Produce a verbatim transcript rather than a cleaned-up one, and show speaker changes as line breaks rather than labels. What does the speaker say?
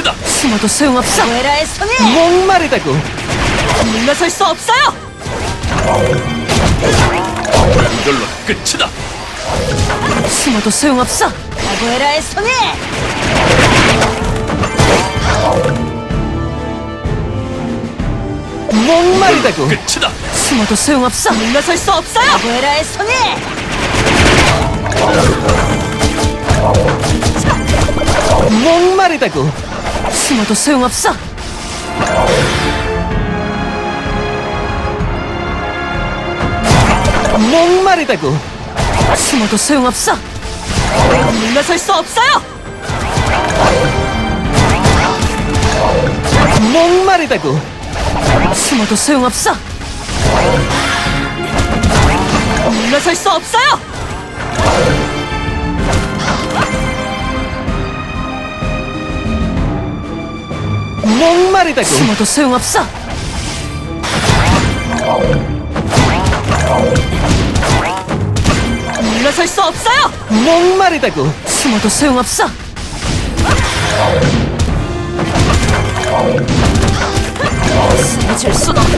끝이다.
숨어도 소용없어.
에라의 손에
목마르다고.
물러설 수 없어요.
이걸로 끝이다.
숨어도 소용없어.
아구에라의 손에
목마르다고.
끝이다.
숨어도 소용없어.
물러설 수 없어요. 아구에라의 손에
목마르다고. 숨어도 소용없어. 목마르다고. 숨어도 소용없어.
물러설 수 없어요.
목마르다고. 숨어도 소용없어.
물러설 수 없어요.
목마르다고. 숨어도 소용없어.
물러설 수 없어요.
목마르다고. 숨어도 소용없어.
쓰러질 순 없어.